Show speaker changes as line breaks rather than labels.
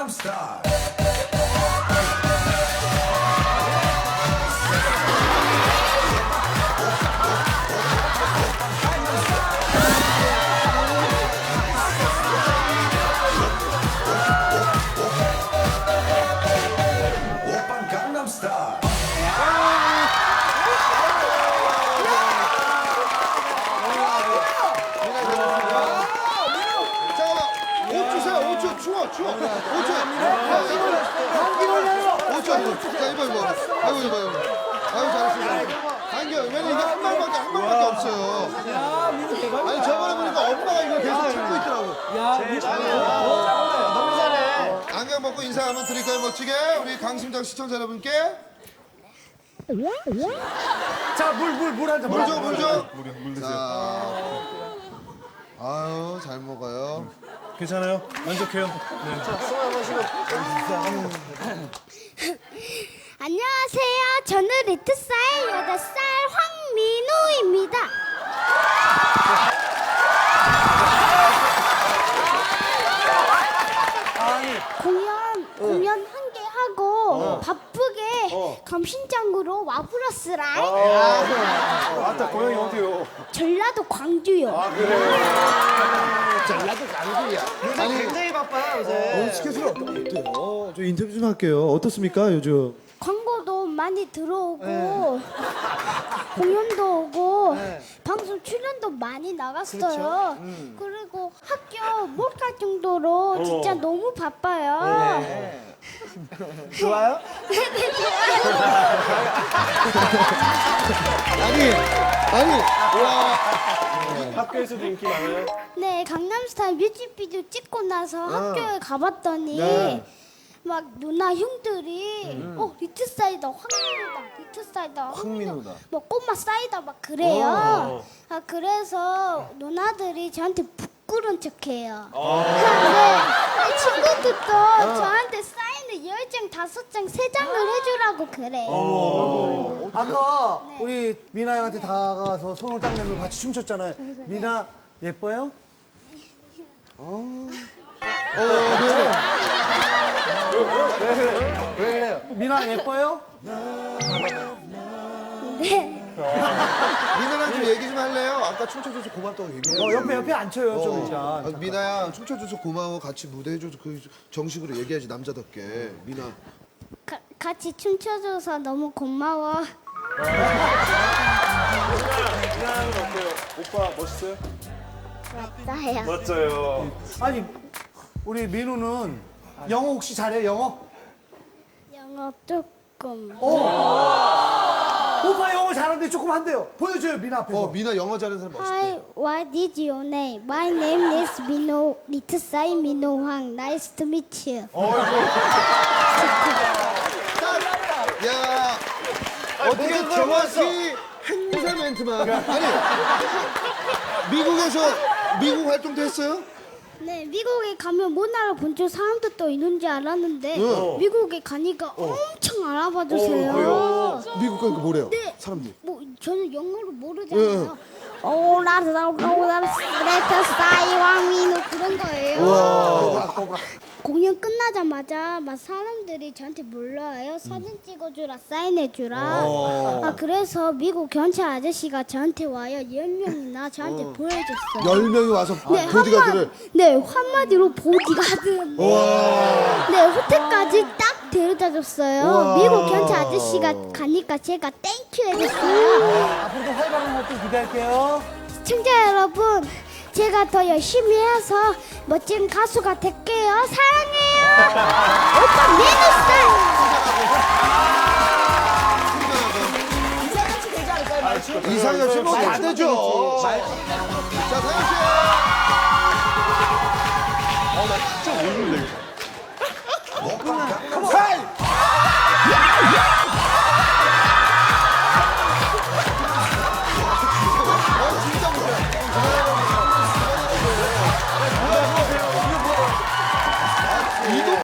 Star. 오빤 강남 스타일.
잠깐만, 옷 주세요. 옷 줘. 추워. 옷 줘. 감기 걸려요. 옷 줘. 자, 이거. 아유, 잘했어요. 감기, 왜냐면 이게 한 방밖에 없어요. 아니, 저번에 보니까 엄마가 이걸 계속 찾고 있더라고.
너무 잘해.
안경 벗고 인사 한번 드릴까요, 멋지게? 우리 강심장 시청자 여러분께.
자, 물 한 잔.
물 줘. 자. 아유, 잘 먹어요.
괜찮아요? 만족해요?
안녕하세요. 저는 리트사의 8살 황민우입니다. 공연 한 개 하고 바쁘게 감신장으로 와버렸으라.
아따, 고향이 어디요?
전라도 광주요.
아니,
굉장히 바빠요, 요새.
스케줄 어때요? 저 인터뷰 좀 할게요. 어떻습니까, 요즘?
광고도 많이 들어오고 공연도 오고 방송 출연도 많이 나갔어요. 그리고 학교 못 갈 정도로 진짜 너무 바빠요.
좋아요?
아니, 와.
학교에서도 인기 많아요?
네, 강남스타일 뮤직비디오 찍고 나서 학교에 가봤더니
네.
막 누나 형들이 리트 사이다 황민우다 뭐 꼬마 사이다 막 그래요. 그래서 누나들이 저한테 부끄러운 척해요. 근데 친구들도 저한테 사인을 10장, 5장, 3장을 해주라고 그래요.
아까 우리 미나 형한테 다가가서 손을 딱 내밀고 같이 춤췄잖아요. 미나 예뻐요? 왜 그래요? 미나 예뻐요?
네.
미나랑 좀 얘기 좀 할래요? 아까 춤춰줘서 고맙다고 얘기해.
옆에 앉혀요, 좀 일단.
미나야, 춤춰줘서 고마워. 같이 무대 해줘서 그 정식으로 얘기하지, 남자답게. 미나.
같이 춤춰줘서 너무 고마워.
미나는 어때요? 오빠 멋있어요?
나야.
멋져요.
아니, 우리 민우는 영어 혹시 잘해, 영어?
영어 조금.
오빠 영어 잘하는데 조금 한대요. 보여줘요, 미나 앞에서.
미나 영어 잘하는 사람 멋있대.
Hi, what is your name? My name is Mino, 리트사이 민호 황. Nice to meet you.
야, 어떻게 정확히 행사 멘트만. 아니, 미국 활동도 했어요?
네, 미국에 가면 못 알아본 줄 사람들도 있는지 알았는데 미국에 가니까 엄청 알아봐 주세요.
미국 가니까 뭐래요?
네.
사람들이.
뭐 저는 영어를 모르잖아요. 리트사이 황민우 그런 거예요. 공연 끝나자마자 막 사람들이 저한테 몰라요. 사진 찍어주라, 사인해주라. 그래서 미국 경찰 아저씨가 저한테 와요. 10명이나 저한테 보여줬어요.
10명이 와서
네,
보디가드를.
한마디로 보디가드. 네, 호텔까지 딱 데려다 줬어요. 미국 경찰 아저씨가 가니까 제가 땡큐 해줬어요.
앞으로도 활발한 활동 기대할게요.
시청자 여러분, 제가 더 열심히 해서 멋진 가수가 될게요. 사랑해요. 오빠 민우 씨.
이상엽 씨 먹으면 안 되죠. 자, 다현 씨.